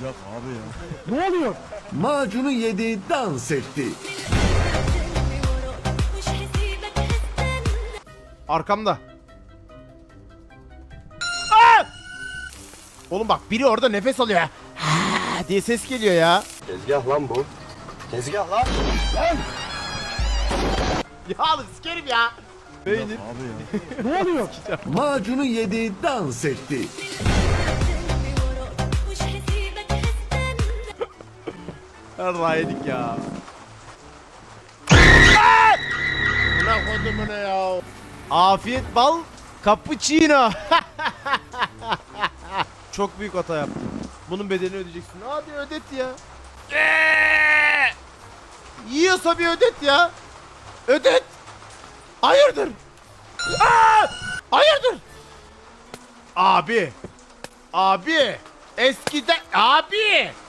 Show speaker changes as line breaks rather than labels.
Ne oluyor?
Macunu yedi, dans etti.
Arkamda. Aa! Oğlum bak biri orada nefes alıyor ya. Ha diye ses geliyor ya.
Tezgah lan bu. Tezgah lan.
Ya sikerim ya. Beynir.
Ne oluyor?
Macunu yedi, dans etti.
Allah yedik ya. Buna kodumuna ya. Afiyet bal cappuccino. Çok büyük hata yaptım. Bunun bedelini ödeyeceksin. Hadi ödet ya. Yiyorsa bir ödet ya. Ödet. Hayırdır? Hayırdır? Abi. Abi. Eskiden abi.